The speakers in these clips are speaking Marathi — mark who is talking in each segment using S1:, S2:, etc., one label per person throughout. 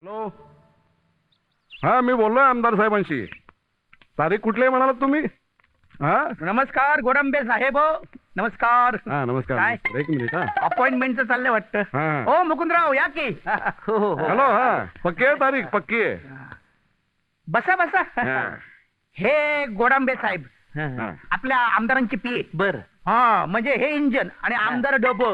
S1: हॅलो. हा मी बोललोय आमदार साहेबांशी. तारीख कुठली आहे म्हणालात तुम्ही? हा
S2: नमस्कार गोडंबे साहेब. नमस्कार.
S1: हा नमस्कार
S2: काय?
S1: नमस्कार. एक मिनिट. हा
S2: अपॉइंटमेंटचं चाललंय वाटतं.
S1: हा.
S2: हो मुकुंदराव या की. हो हो हो.
S1: हॅलो. हा पक्की आहे तारीख? पक्की आहे.
S2: बसा बसा.
S1: हा.
S2: हे गोडांबे साहेब
S1: हा.
S2: आपल्या आमदारांची पी.
S3: बर
S2: हा म्हणजे हे इंजन आणि आमदार डबो.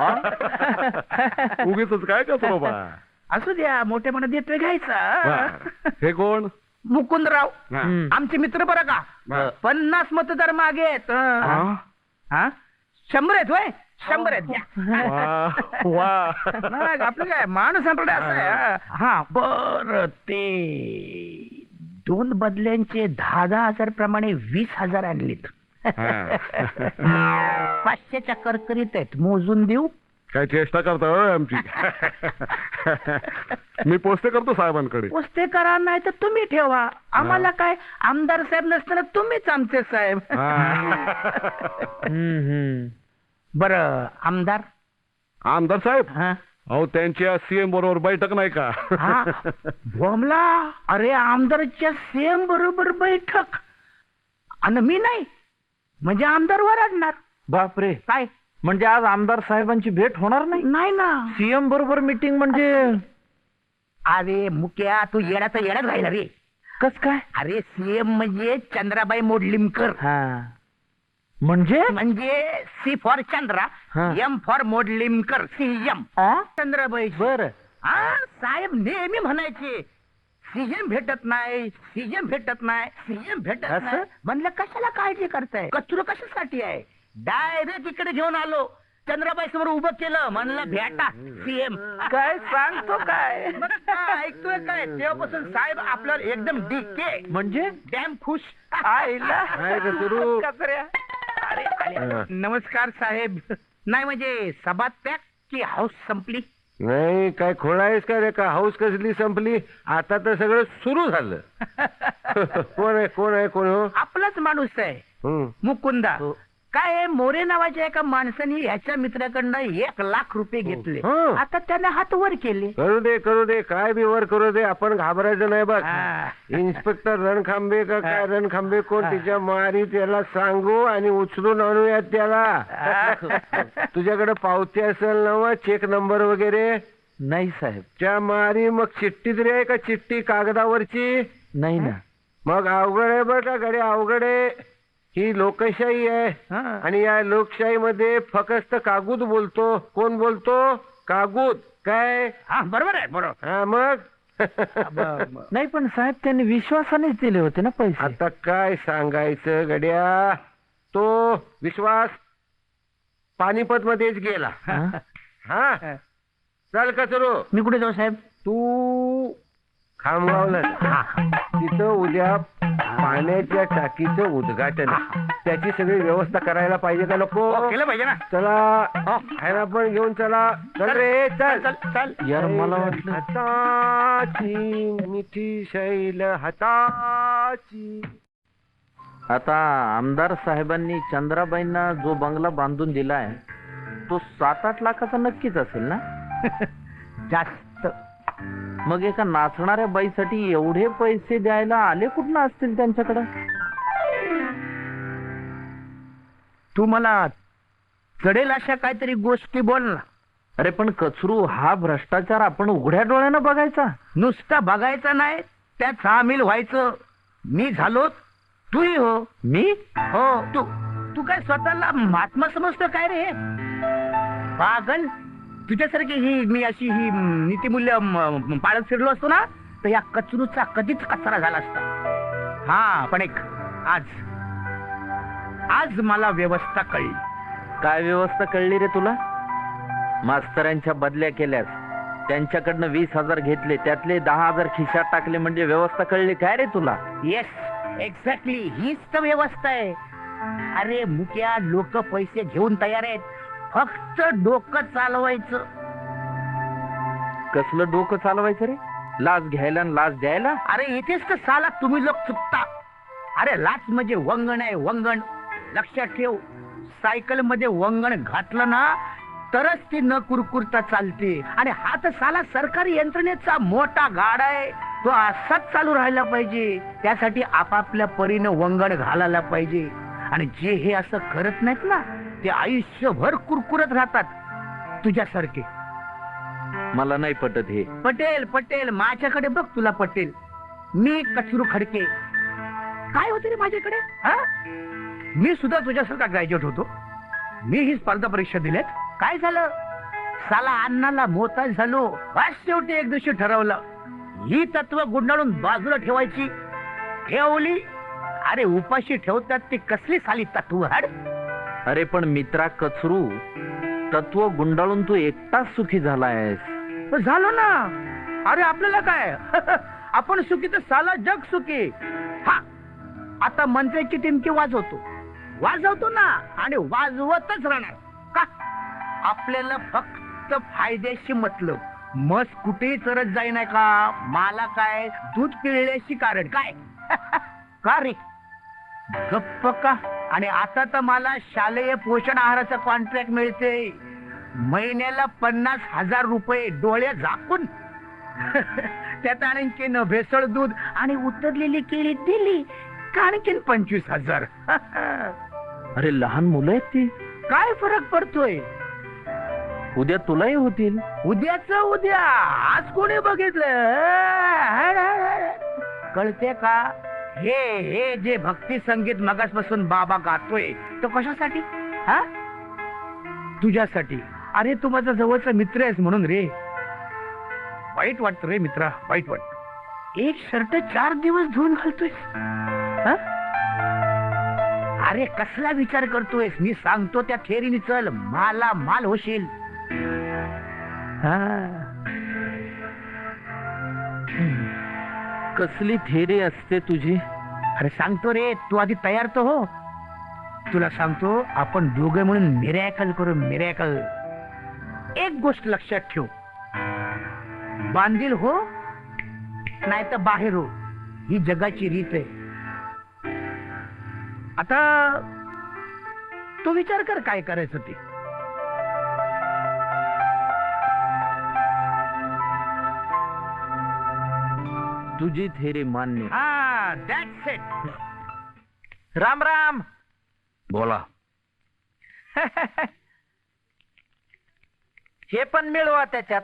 S1: उगीच काय कसं बाबा.
S2: असू द्या मोठेपणा देतोय
S1: वा.
S2: घ्यायचा.
S1: हे कोण?
S2: मुकुंदराव
S1: हा.
S2: आमचे मित्र बरं का.
S1: बर.
S2: 50 मतदार मागे आहेत.
S1: हा?
S2: हा 100 आहेत होय. 100 आहेत घ्या.
S1: वा वा.
S2: नाही, आपलं काय माणूस असं आहे. हा बर ते 2 बदल्यांचे 10,000 प्रमाणे 20,000 आणलीत.
S1: हा.
S2: 500च्या करकरीत आहेत. मोजून देऊ?
S1: काय चेष्टा करता होय आमची. मी पोस्टे करतो साहेबांकडे.
S2: पोस्ते करा नाही तर तुम्ही ठेवा. आम्हाला काय आमदार साहेब नसताना तुम्हीच आमचे साहेब. बर आमदार.
S1: आमदार साहेब
S2: हा
S1: अहो त्यांच्या सीएम बरोबर बैठक नाही का?
S2: हा बोमला. अरे आमदारच्या सेम बरोबर बैठक आणि मी नाही म्हणजे आमदार वरडणार.
S3: बापरे.
S2: काय?
S3: म्हणजे आज आमदार साहेबांची भेट होणार नाही?
S2: नाही ना.
S3: सीएम बरोबर मीटिंग म्हणजे
S2: अरे मुक्या तू येण्याचा येण्यात राहिला रे.
S3: कस काय?
S2: अरे सीएम म्हणजे चंद्राबाई मोडलिमकर.
S3: हा म्हणजे
S2: म्हणजे सी फॉर चंद्रा,
S3: हा.
S2: M for Modlimkar, CM Chandrabai.
S3: बर.
S2: हा साहेब नेहमी म्हणायचे सीएम भेटत नाही, सीएम भेटत नाही, सीएम भेटत
S3: असं?
S2: नाही. म्हणलं कशाला काळजी करताय? कचरू कशासाठी आहे? डायरेक्ट इकडे घेऊन आलो. चंद्राबाई समोर उभं केलं. म्हणलं भेटा सीएम.
S3: काय सांगतो काय?
S2: मग काय ऐकतोय काय? तेव्हापासून साहेब आपल्यावर एकदम डीके
S3: म्हणजे
S2: डॅम खुश.
S3: आईला
S1: नाही रे सुरू.
S2: कचऱ्या. अरे आले. नमस्कार साहेब. नाही म्हणजे सभा त्याग की हाऊस संपली?
S1: नाही काय खोळायस का रे? का हाऊस कसली संपली? आता तर सगळं सुरू झालं. कोण आहे कोण आहे कोण? हो
S2: आपलाच माणूस आहे
S1: हं.
S2: मुकुंदा.
S3: हो.
S2: काय आहे, मोरे नावाच्या एका माणसाने ह्याच्या मित्राकडनं 1,00,000 रुपये घेतले.
S1: हं.
S2: आता त्याने हात वर केले.
S1: करू दे काय बी वर करू दे. आपण घाबरायचं नाही बघ.
S2: हा.
S1: इन्स्पेक्टर रणखांबे का काय रणखांबे कोण तिच्या मारी त्याला सांगू आणि उचलून आणूयात त्याला. तुझ्याकडे पावती असेल ना चेक नंबर वगैरे?
S3: नाही साहेब.
S1: त्या मारी मग चिठ्ठी तरी आहे का? चिठ्ठी कागदावरची?
S3: नाही ना.
S1: मग अवघड आहे बरं का गड्या. अवघड आहे. ही लोकशाही आहे
S2: हा.
S1: आणि या लोकशाहीमध्ये फक्त कागूद बोलतो. कोण बोलतो? कागूद. काय?
S2: हा बरोबर आहे बरोबर.
S1: हा मग.
S3: नाही पण साहेब त्यांनी विश्वासानेच दिले होते ना पैसे.
S1: आता काय सांगायचं गड्या. तो विश्वास पानिपत मध्येच गेला.
S3: हा?
S1: हा चल कचरो.
S2: मी कुठे जाऊ साहेब?
S1: तू खामगावला जा. तिथं उद्या पाण्याच्या टाकीचं उद्घाटन आहे. त्याची सगळी व्यवस्था करायला पाहिजे का नको?
S2: केलं पाहिजे ना.
S1: चला ह्याला पण घेऊन चला. चल रे चल.
S2: चल चल.
S3: यार मला वाटलं
S1: हाताची मिठी शैल हाताची.
S3: आता आमदार साहेबांनी चंद्राबाईंना जो बंगला बांधून दिलाय तो 7-8 लाखाचा नक्कीच असेल ना?
S2: जास्त.
S3: मग एका नाचणाऱ्या बाईसाठी एवढे पैसे द्यायला आले कुठनं असतील त्यांच्याकडे?
S2: तू मला चढेल अशा काहीतरी गोष्टी बोल ना.
S3: अरे पण कचरू, हा भ्रष्टाचार आपण उघड्या डोळ्यानं बघायचा?
S2: नुसता बघायचं नाही त्यात सामील व्हायचं. मी झालो तूही हो.
S3: मी?
S2: हो तू. तू काय स्वतःला महात्मा समजतो काय रे? पागल. तुझ्यासारखी ही मी अशी ही नीतिमूल्य पाळत फिरलो असतो ना तर या कचरूचा कधीच कचरा झाला असता. हा पण एक आज मला व्यवस्था कळली.
S3: काय व्यवस्था कळली रे तुला? मास्तरांच्या बदल्या केल्यास, त्यांच्याकडनं 20,000 घेतले, त्यातले 10,000 खिशात टाकले म्हणजे व्यवस्था कळली काय रे तुला?
S2: येस एक्झॅक्टली हीच तर व्यवस्था आहे. अरे मुक्या लोक पैसे घेऊन तयार आहेत. फक्त डोकं चालवायचं.
S3: कसलं डोकं चालवायचं रे? लाच घ्यायला आणि लाच द्यायला?
S2: अरे इथेच तर साला तुम्ही लोक चुकता. अरे लाच म्हणजे वंगण आहे वंगण. लक्षात ठेव. सायकल मध्ये वंगण घातलं ना तरच ती न कुरकुरता चालते. आणि हा तर साला सरकारी यंत्रणेचा मोठा गाडा आहे, तो असाच चालू राहायला पाहिजे. त्यासाठी आपापल्या परीनं वंगण घालायला पाहिजे. आणि जे हे असं करत नाहीत ना, ते आयुष्यभर कुरकुरत राहतात तुझ्यासारखे.
S3: मला नाही पटत हे.
S2: पटेल पटेल माझ्याकडे बघ, तुला पटेल. मी कचरू खडके, काय होते रे माझ्याकडे? हा, मी सुद्धा तुझ्यासारखा ग्रॅज्युएट होतो. मी ही स्पर्धा परीक्षा दिल्यात. काय झालं, साला अन्नाला मोताज झालो. बस शेवटी एक दिवशी ठरवलं, ही तत्व गुंडाळून बाजूला ठेवायची. ठेवली. अरे उपाशी ठेवतात ती कसली साली तत्व. हड.
S3: अरे पण मित्रा कचरू, तत्व गुंडाळून तू एकटाच सुखी झालायस.
S2: झालो ना. अरे आपल्याला काय आपण सुखी तर साला जग सुखी. हा, आता मंत्र्याची टिमकी वाजवतो ना, आणि वाजवतच राहणार. का? आपल्याला फक्त फायद्याशी मतलब. मस कुठेही चरत जाई नाही का, मला काय दूध पिळल्याशी कारण काय का रे? गप्प का? आणि आता तर मला शालेय पोषण आहाराचं कॉन्ट्रॅक्ट मिळते, महिन्याला 50,000 रुपये डोळे झाकून. त्यात आणखीन भेसळ दूध आणि उतरलेली केळी दिली का आणखीन 25,000.
S3: अरे लहान मुलं आहेत ती.
S2: काय फरक पडतोय?
S3: उद्या तुलाही होतील.
S2: उद्याच उद्या, आज कोणी बघितलं? कळते का? हे जे भक्ती संगीत मगासपासून बाबा गातोय, तो कशासाठी? हा, तुझ्यासाठी. अरे तू माझा जवळचा मित्र आहेस म्हणून रे. वाईट वाटत रे मित्रा, वाईट वाटत. एक शर्ट 4 दिवस धुवून घालतोयस. हा? अरे कसला विचार करतोयस? मी सांगतो त्या थेरीने चल, माला माल होशील.
S3: कसली थेरी असते तुझी?
S2: अरे सांगतो रे, तू आधी तयार तर हो. तुला सांगतो, आपण दोघे म्हणून मिरॅकल करू, मिरॅकल. एक गोष्ट लक्षात ठेव, बांधील हो नाही तर बाहेर हो, ही जगाची रीत आहे. आता तू विचार कर काय करायचं ते.
S3: तुझी थेरी मान्य.
S2: हा, दॅट्स इट.
S3: राम राम.
S1: बोला.
S3: हे पण मिळवा त्याच्यात.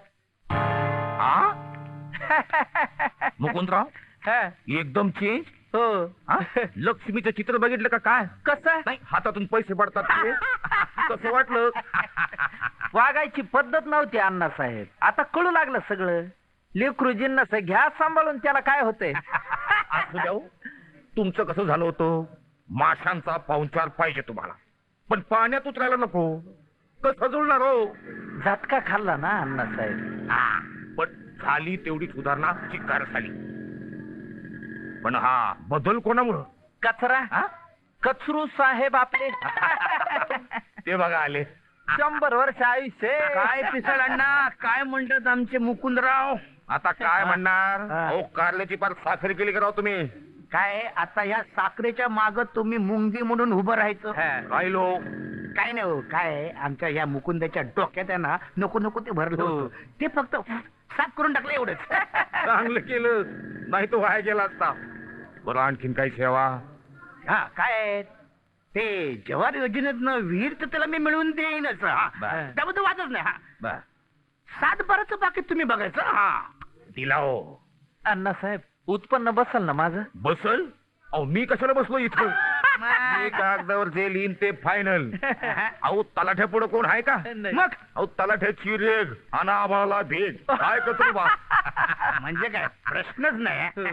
S1: मुकुंदराव, एकदम चेंज.
S3: हो.
S1: लक्ष्मीचं चित्र बघितलं का काय?
S3: कसं?
S1: नाही, हातातून पैसे पडतात ते. कसं वाटलं?
S3: वागायची पद्धत नव्हती अण्णासाहेब, आता कळू लागलं सगळं. लेकरू जिन्नस घ्या सांभाळून, त्याला काय होतंय.
S1: असू द्या हो. तुमचं कसं झालं होतं, माशांचा पाहुणचार पाहिजे तुम्हाला, पण पाण्यात उतरायला नको. कसं जुळणार हो?
S3: झटका खाल्ला ना अण्णासाहेब.
S1: पण झाली तेवढी सुधारणा चिक्कार झाली. पण हा बदल कोणामुळं?
S3: कचरा. कचरू साहेब आपले.
S1: ते बघा आले.
S3: 100 वर्ष आयुष्य.
S2: काय पिसळ अण्णा, काय म्हणतात आमचे मुकुंदराव?
S1: आता काय म्हणणार? अहो, कारल्याची पार साखर केली कराव तुम्ही.
S2: काय आता ह्या साखरेच्या माग तुम्ही मुंगी म्हणून उभं राहायचं?
S1: राहिलो.
S2: काय नाही हो, काय आमच्या ह्या मुकुंदाच्या डोक्यात आहे ना, नको नको ते भरलं होतं. ते फक्त साफ करून टाकलं एवढंच.
S1: चांगलं केलं, नाही तो वाया गेला असता. बरं, आणखीन काही सेवा?
S2: हा, काय ते जवार योजनेतनं विहीर तर त्याला मी मिळवून देईनच. त्याबद्दल वादच नाही. हा, 7-12चं पाकिट तुम्ही बघायचं. हा,
S1: दिला हो.
S3: अण्णासाहेब, उत्पन्न बसल ना माझं?
S1: बसल? अहो, मी कशाला बसलो इथं? मी कागदावर जे लिहिन ते फायनल. अहो, तलाठ्या पुढे कोण आहे का?
S2: मग
S1: अहो, तलाठ्याची रेग आणि आम्हाला भेग. काय कचरू बा?
S2: म्हणजे काय प्रश्नच नाही.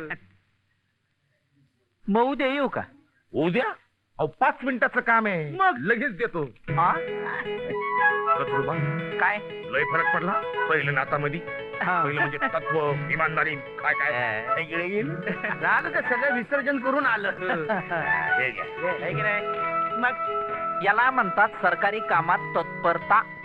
S3: मग उद्या येऊ का?
S1: उद्या? अहो, 5 मिनिटाचं काम आहे,
S2: मग
S1: लगेच देतो. कचरू बा,
S2: काय
S1: लय फरक पडला पहिलं नातामध्ये. पहिलं म्हणजे तत्व, इमानदारी, काय काय
S2: झालं तर सगळं विसर्जन करून आलं.
S1: हे घ्या.
S2: हे की नाही? मग
S3: याला म्हणतात सरकारी कामात तत्परता.